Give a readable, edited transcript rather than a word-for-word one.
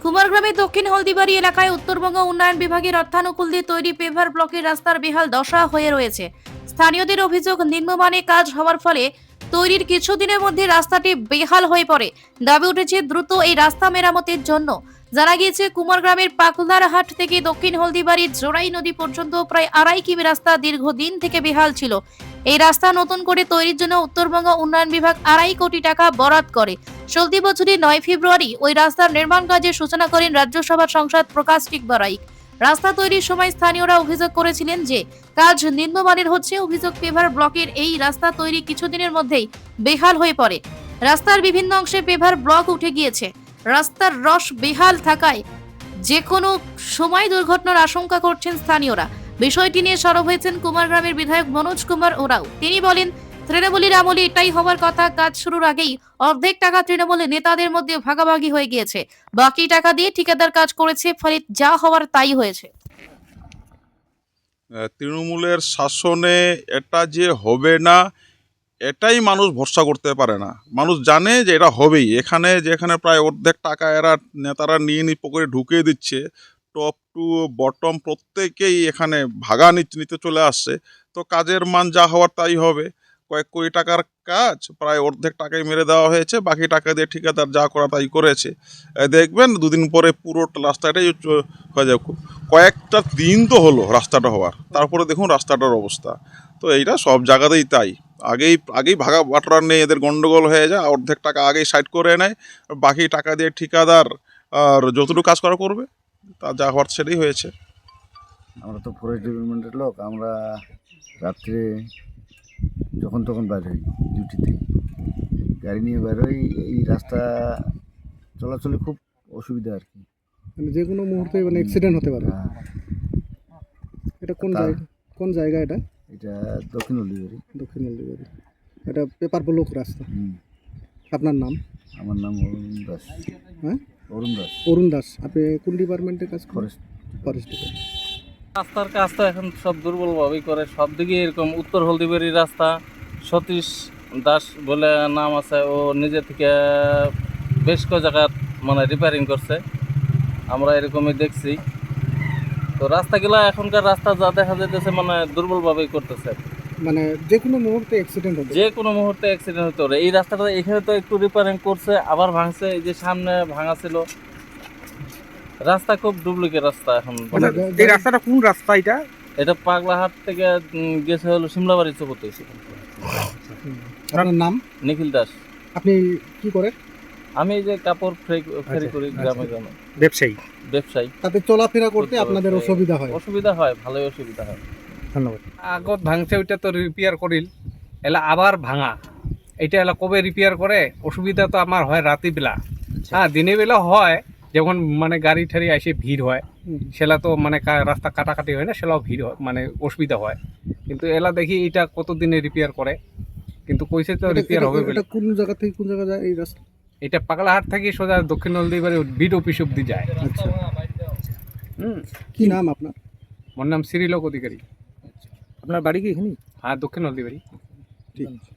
কুমারগ্রামের দক্ষিণ হলদিবাড়ি এলাকায় উত্তরবঙ্গ উন্নয়ন বিভাগের অর্থানুকূল দিয়ে তৈরি পেভার ব্লকের রাস্তার বেহাল দশা হয়ে রয়েছে। স্থানীয়দের অভিযোগ, নিম্নমানের কাজ হওয়ার ফলে তৈরির কিছুদিনের মধ্যে রাস্তাটি বেহাল হয়ে পড়ে। দাবি উঠেছে দ্রুত এই রাস্তা মেরামতের জন্য। জানা গিয়েছে, কুমারগ্রামের পাকুলারহাট থেকে দক্ষিণ হলদিবাড়ির জোড়াই নদী পর্যন্ত প্রায় 2.5 কিমি রাস্তা দীর্ঘদিন থেকে বেহাল ছিল। এই রাস্তা নতুন করে তৈরির জন্য উত্তরবঙ্গ উন্নয়ন বিভাগ 2.5 কোটি টাকা বরাদ্দ করে। চলতি বছরের 9 ফেব্রুয়ারি ওই রাস্তার নির্মাণ কাজের সূচনা করেন রাজ্যসভার সাংসদ প্রকাশ টিকবরাইক। রাস্তা তৈরির সময় স্থানীয়রা অভিযোগ করেছিলেন যে কাজ নিম্নমানের হচ্ছে। অভিযোগ, পেভার ব্লকের এই রাস্তা তৈরি কিছুদিনের মধ্যেই বেহাল হয়ে পড়ে। রাস্তার বিভিন্ন অংশে পেভার ব্লক উঠে গিয়েছে। রাস্তার রস বেহাল থাকায় যে কোনো সময় দুর্ঘটনার আশঙ্কা করছেন স্থানীয়রা। বিষয়টি নিয়ে সরব হয়েছেন কুমারগ্রামের বিধায়ক মনোজ কুমার ওরাও। তিনি বলেন, তৃণমূলের আমলে এটাই হওয়ার কথা। কাজ শুরুর আগেই অর্ধেক টাকা তৃণমূলের নেতাদের মধ্যে ভাগাভাগি হয়ে গিয়েছে। বাকি টাকা দিয়ে ঠিকাদার কাজ করেছে, ফলে যা হওয়ার তাই হয়েছে। তৃণমূলের শাসনে এটা যে হবে না, এটাই মানুষ ভরসা করতে পারে না। মানুষ জানে যে এটা হবেই। যেখানে প্রায় অর্ধেক টাকা নেতারা নিয়ে পকেটে ঢুকিয়ে দিচ্ছে, টপ টু বটম প্রত্যেকেই এখানে ভাগা নিতে চলে আসছে। তো কাজের মান যা হওয়ার তাই হবে। কয়েক কোটি টাকার কাজ প্রায় অর্ধেক টাকায় মেরে দেওয়া হয়েছে, বাকি টাকা দিয়ে ঠিকাদার যা করা তাই করেছে। দেখবেন দুদিন পরে পুরো রাস্তাটাই হয়ে যাবে। কয়েকটা দিন তো হলো রাস্তাটা হওয়ার, তারপরে দেখুন রাস্তাটার অবস্থা। তো এইটা সব জায়গাতেই তাই। আগেই ভাগা বাটোয়ারা নেই, এদের গন্ডগোল হয়ে যায়। অর্ধেক টাকা আগেই সাইড করে নেয়, বাকি টাকা দিয়ে ঠিকাদার আর যতটুকু কাজ করা করবে, তা যা হওয়ার সেটাই হয়েছে। আমরা তো ফরেস্ট ডিপার্টমেন্টের লোক। আমরা রাত্রে যখন তখন বাইর হই, ডিউটিতে গাড়ি নিয়ে বাইর হই। এই রাস্তা চলাচলে খুব অসুবিধা আর কি। মানে যে কোনো মুহূর্তে মানে অ্যাক্সিডেন্ট হতে পারে। হ্যাঁ, এটা কোন জায়গা এটা? এটা দক্ষিণ হলদিবাড়ি। দক্ষিণ হলদিবাড়ি। এটা পেপার ব্লক রাস্তা। আপনার নাম? আমার নাম অরুণ দাস। হ্যাঁ, অরুণ দাস। অরুণ দাস। আপনি কোন ডিপার্টমেন্টে কাজ করেন? Forest department. রাস্তার কাজ তো এখন সব দুর্বলভাবেই করে, সব দিকে এরকম। উত্তর হলদিবাড়ি রাস্তা সতীশ দাস বলে নাম আছে, ও নিজে থেকে বেশ কয়েক জায়গায় মানে রিপেয়ারিং করছে, আমরা এরকমই দেখছি। তো রাস্তাগুলো এখনকার রাস্তা যা দেখা যাইতেছে মানে দুর্বলভাবেই করতেছে। মানে যে কোনো মুহূর্তে অ্যাক্সিডেন্ট হবে। যে কোনো মুহূর্তে অ্যাক্সিডেন্ট হতে পারে। এই রাস্তাটা এখানে তো একটু রিপেয়ারিং করছে, আবার ভাঙছে। এই যে সামনে ভাঙা ছিল রাস্তা, খুব ডুপ্লিকেট রাস্তা এখন। এই রাস্তাটা কোন রাস্তা এটা? এটা পাগলাহাট থেকে গেছে হলো সিমলাবাড়ি চৌপতি। আপনার নাম? নিখিল দাস। আপনি কি করেন? আমি এই যে কাপড় ফেরি করি গ্রামে গ্রামে। ব্যবসায়ী। তাতে চলাফেরা করতে আপনাদের অসুবিধা হয়? অসুবিধা হয়, ভালোই অসুবিধা হয়। ধন্যবাদ। আগত ভাঙছে, ওইটা তো রিপেয়ার করিল, এলা আবার ভাঙা। এটা এলা কবে রিপেয়ার করে? অসুবিধা তো আমার হয় রাত্রিবেলা। হ্যাঁ, দিনের বেলা হয় যখন মানে গাড়ি ঠাড়ি এসে ভিড় হয়, সেলা তো মানে রাস্তা কাটাকাটি হয় না, সেলাও ভিড় হয়, মানে অসুবিধা হয়। কিন্তু এলা দেখি এটা কতদিনে রিপেয়ার করে, কিন্তু কইছে তো রিপেয়ার হবে। এটা কোন জায়গা থেকে কোন জায়গা যায় এই রাস্তা? এটা পাগলাহাট থেকে সোজা দক্ষিণ হলদিবাড়ি বিড অফিস অব্দি যায়। আচ্ছা, কি নাম আপনার? আমার নাম শ্রীলোক অধিকারী। আপনার বাড়ি কি এখানে? হ্যাঁ, দক্ষিণ হলদিবাড়ি। ঠিক আছে।